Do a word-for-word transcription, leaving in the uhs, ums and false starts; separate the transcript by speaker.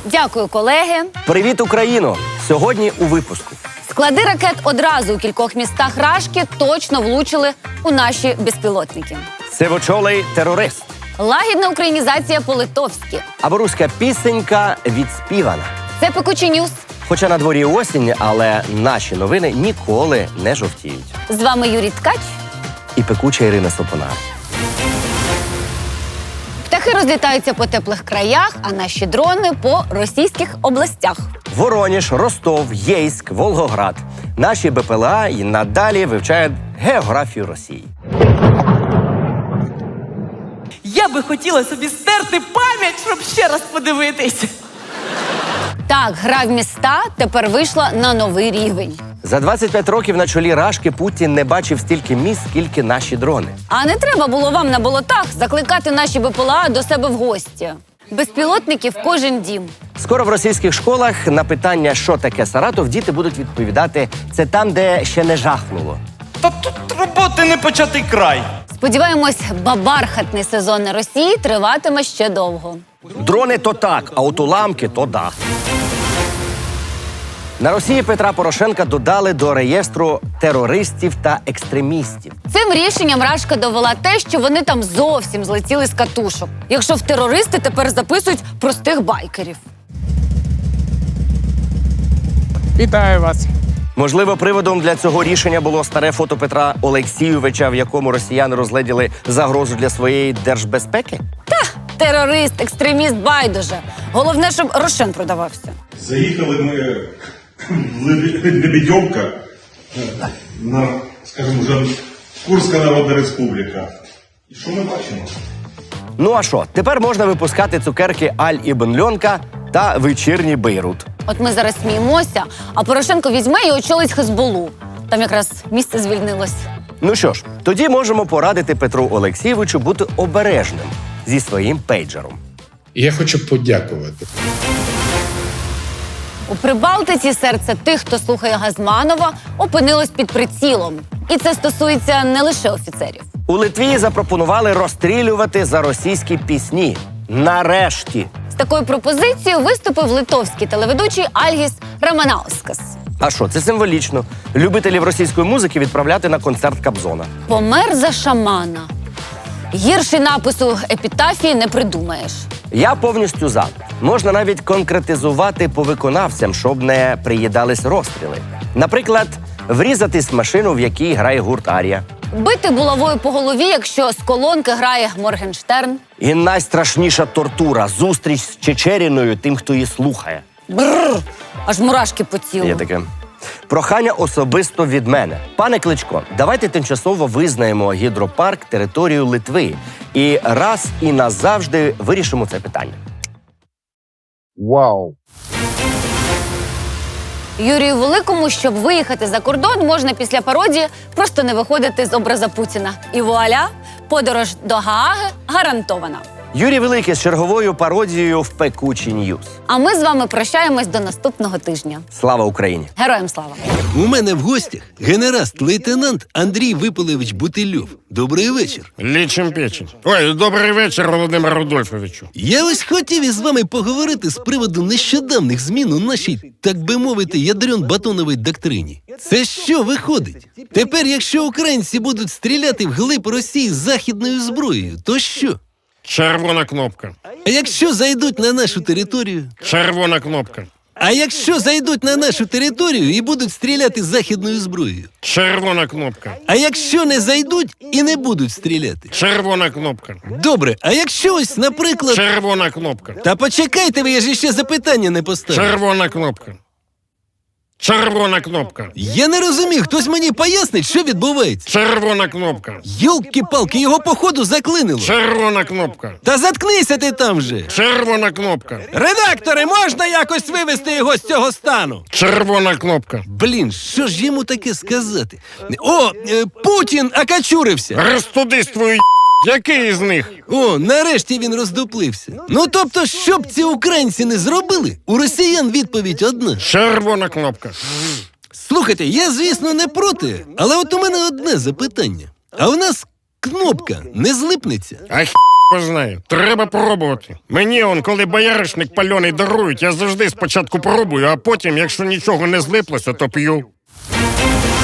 Speaker 1: Дякую, колеги.
Speaker 2: Привіт, Україно! Сьогодні у випуску.
Speaker 1: Склади ракет одразу у кількох містах Рашки точно влучили у наші безпілотники.
Speaker 2: Сивочолий терорист.
Speaker 1: Лагідна українізація по-литовськи.
Speaker 2: Або руська пісенька відспівана.
Speaker 1: Це пекучі ньюс.
Speaker 2: Хоча на дворі осінь, але наші новини ніколи не жовтіють.
Speaker 1: З вами Юрій Ткач
Speaker 2: і пекуча Ірина Сопонар.
Speaker 1: Птахи розлітаються по теплих краях, а наші дрони – по російських областях.
Speaker 2: Вороніж, Ростов, Єйськ, Волгоград. Наші БПЛА і надалі вивчають географію Росії.
Speaker 3: Я би хотіла собі стерти пам'ять, щоб ще раз подивитись.
Speaker 1: Так, гра в міста тепер вийшла на новий рівень.
Speaker 2: За двадцять п'ять років на чолі Рашки Путін не бачив стільки міст, скільки наші дрони.
Speaker 1: А не треба було вам на болотах закликати наші БПЛА до себе в гості. Безпілотники в кожен дім.
Speaker 2: Скоро в російських школах на питання, що таке Саратов, діти будуть відповідати «це там, де ще не жахнуло».
Speaker 4: Та тут роботи не початий край.
Speaker 1: Сподіваємось, бабархатний сезон на Росії триватиме ще довго.
Speaker 2: Дрони то так, а от уламки то да. На Росії Петра Порошенка додали до реєстру терористів та екстремістів.
Speaker 1: Цим рішенням Рашка довела те, що вони там зовсім злетіли з катушок. Якщо в терористи тепер записують простих байкерів.
Speaker 5: Вітаю вас.
Speaker 2: Можливо, приводом для цього рішення було старе фото Петра Олексійовича, в якому росіяни розгледіли загрозу для своєї держбезпеки?
Speaker 1: Та, терорист, екстреміст, байдуже. Головне, щоб Рошен продавався.
Speaker 6: Заїхали ми в Лебедівка, на, скажімо, вже Курська Народна Республіка. І що ми бачимо?
Speaker 2: Ну а що, тепер можна випускати цукерки Аль Ібн Льонка та вечірній Бейрут.
Speaker 1: От ми зараз сміємося, а Порошенко візьме і очолить Хезболу. Там якраз місце звільнилось.
Speaker 2: Ну що ж, тоді можемо порадити Петру Олексійовичу бути обережним зі своїм пейджером.
Speaker 5: Я хочу подякувати.
Speaker 1: У Прибалтиці серце тих, хто слухає Газманова, опинилось під прицілом. І це стосується не лише офіцерів.
Speaker 2: У Литві запропонували розстрілювати за російські пісні. Нарешті!
Speaker 1: З такою пропозицією виступив литовський телеведучий Альгіс Раманаускас.
Speaker 2: А що, це символічно. Любителів російської музики відправляти на концерт Кобзона.
Speaker 1: Помер за шамана. Гірший напису епітафії не придумаєш.
Speaker 2: Я повністю за. Можна навіть конкретизувати по виконавцям, щоб не приїдались розстріли. Наприклад, врізатись в машину, в якій грає гурт Арія.
Speaker 1: Бити булавою по голові, якщо з колонки грає Моргенштерн.
Speaker 2: І найстрашніша тортура – зустріч з Чечеріною тим, хто її слухає.
Speaker 1: Бррр, аж мурашки по тілу.
Speaker 2: Є таке. Прохання особисто від мене. Пане Кличко, давайте тимчасово визнаємо гідропарк територією Литви і раз і назавжди вирішимо це питання.
Speaker 5: Вау!
Speaker 1: Юрію Великому, щоб виїхати за кордон, можна після пародії просто не виходити з образа Путіна. І вуаля, подорож до Гааги гарантована.
Speaker 2: Юрій Великий з черговою пародією в пекучі ньюс.
Speaker 1: А ми з вами прощаємось до наступного тижня.
Speaker 2: Слава Україні!
Speaker 1: Героям слава!
Speaker 7: У мене в гостях генераст-лейтенант Андрій Випалевич Бутильов. Добрий вечір.
Speaker 8: Лічим печень. Ой, добрий вечір, Володимир Рудольфовичу.
Speaker 7: Я ось хотів із вами поговорити з приводу нещодавних змін у нашій, так би мовити, ядрен-батоновій доктрині. Це що виходить? Тепер, якщо українці будуть стріляти вглиб Росії західною зброєю, то що?
Speaker 8: Червона кнопка.
Speaker 7: А якщо зайдуть на нашу територію?
Speaker 8: Червона кнопка.
Speaker 7: А якщо зайдуть на нашу територію і будуть стріляти західною зброєю?
Speaker 8: Червона кнопка.
Speaker 7: А якщо не зайдуть і не будуть стріляти?
Speaker 8: Червона кнопка.
Speaker 7: Добре, а якщо ось, наприклад...
Speaker 8: Червона кнопка.
Speaker 7: Та почекайте ви, я ж ще запитання не поставив.
Speaker 8: Червона кнопка. Червона кнопка.
Speaker 7: Я не розумію, хтось мені пояснить, що відбувається.
Speaker 8: Червона кнопка.
Speaker 7: Йолки-палки, його походу заклинило.
Speaker 8: Червона кнопка.
Speaker 7: Та заткнися ти там же.
Speaker 8: Червона кнопка.
Speaker 7: Редактори, можна якось вивести його з цього стану?
Speaker 8: Червона кнопка.
Speaker 7: Блін, що ж йому таке сказати? О, е, Путін окачурився.
Speaker 8: Розтудись твою. Який із них?
Speaker 7: О, нарешті він роздуплився. Ну, тобто, що б ці українці не зробили, у росіян відповідь одна.
Speaker 8: Червона кнопка.
Speaker 7: Слухайте, я, звісно, не проти, але от у мене одне запитання. А в нас кнопка не злипнеться.
Speaker 8: А хі знає. Треба пробувати. Мені он, коли бояришник пальоний дарують, я завжди спочатку пробую, а потім, якщо нічого не злиплося, то п'ю.